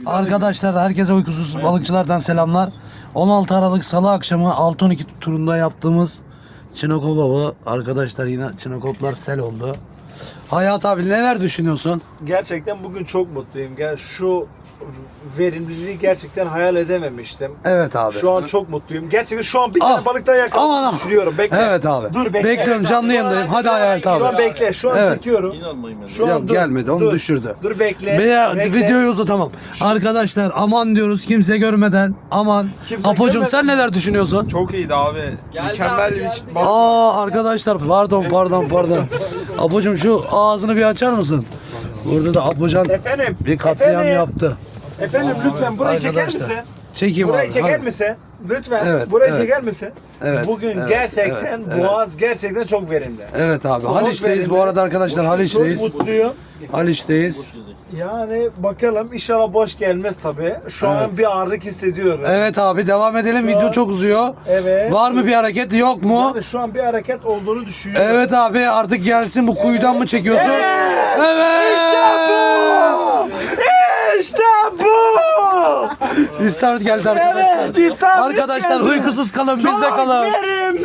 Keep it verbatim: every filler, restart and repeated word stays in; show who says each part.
Speaker 1: Arkadaşlar herkese uykusuz balıkçılardan selamlar. on altı Aralık Salı akşamı altı on iki turunda yaptığımız Çinekop avı. Arkadaşlar yine Çinekoplar sel oldu. Hayat abi neler düşünüyorsun?
Speaker 2: Gerçekten bugün çok mutluyum. Gel şu verimliliği gerçekten hayal edememiştim.
Speaker 1: Evet abi.
Speaker 2: Şu an çok mutluyum. Gerçekten şu an bir
Speaker 1: Ah,
Speaker 2: tane balık daha
Speaker 1: aman
Speaker 2: yakaladım
Speaker 1: aman.
Speaker 2: düşünüyorum. Bekle.
Speaker 1: Evet abi.
Speaker 2: Dur bekle.
Speaker 1: Bekliyorum, canlı
Speaker 2: Şu an-
Speaker 1: yayındayım. Hadi
Speaker 2: şu an-
Speaker 1: Hayat abi.
Speaker 2: Şu an bekle. Şu an
Speaker 1: Evet.
Speaker 2: çekiyorum. Şu
Speaker 1: Ya
Speaker 2: an dur,
Speaker 1: gelmedi, onu
Speaker 2: dur.
Speaker 1: düşürdü.
Speaker 2: Dur bekle.
Speaker 1: Veya
Speaker 2: bekle.
Speaker 1: videoyu uzatamam. Arkadaşlar aman diyoruz kimse görmeden. Aman.
Speaker 2: Kimse
Speaker 1: Apocuğum
Speaker 2: görmeden.
Speaker 1: sen neler düşünüyorsun?
Speaker 3: Çok iyiydi abi. Mükemmel bir bak.
Speaker 1: Aa arkadaşlar pardon pardon pardon. Apocuğum şu ağzını bir açar mısın? Burada da Apocan
Speaker 2: Efendim.
Speaker 1: bir katliam
Speaker 2: efendim,
Speaker 1: yaptı.
Speaker 2: Efendim lütfen burayı çeker
Speaker 1: Arkadaşlar,
Speaker 2: misin?
Speaker 1: çekeyim
Speaker 2: Burayı
Speaker 1: abi,
Speaker 2: çeker
Speaker 1: hadi.
Speaker 2: misin? Lütfen.
Speaker 1: Evet,
Speaker 2: burayı
Speaker 1: evet.
Speaker 2: çeker misin?
Speaker 1: Evet,
Speaker 2: Bugün
Speaker 1: evet,
Speaker 2: gerçekten
Speaker 1: evet, evet.
Speaker 2: Boğaz gerçekten çok verimli.
Speaker 1: Evet abi
Speaker 2: Çok
Speaker 1: Haliç'teyiz bu
Speaker 2: verimli.
Speaker 1: arada arkadaşlar Haliç'teyiz.
Speaker 2: Çok mutluyum.
Speaker 1: Haliç'teyiz.
Speaker 2: Yani bakalım inşallah boş gelmez tabii. Şu an bir ağırlık hissediyorum.
Speaker 1: Evet abi devam edelim, video çok uzuyor.
Speaker 2: Evet.
Speaker 1: Var mı bir hareket, yok mu?
Speaker 2: Yani şu an bir hareket olduğunu düşünüyorum.
Speaker 1: Evet abi artık gelsin, bu kuyudan mı çekiyorsun?
Speaker 2: Evet.
Speaker 1: Evet.
Speaker 2: İşte bu! İşte bu!
Speaker 1: İstavrit geldi arkadaşlar.
Speaker 2: Evet, istavrit
Speaker 1: Arkadaşlar
Speaker 2: geldi.
Speaker 1: uykusuz kalın,
Speaker 2: Çok
Speaker 1: bizde kalın.
Speaker 2: verimli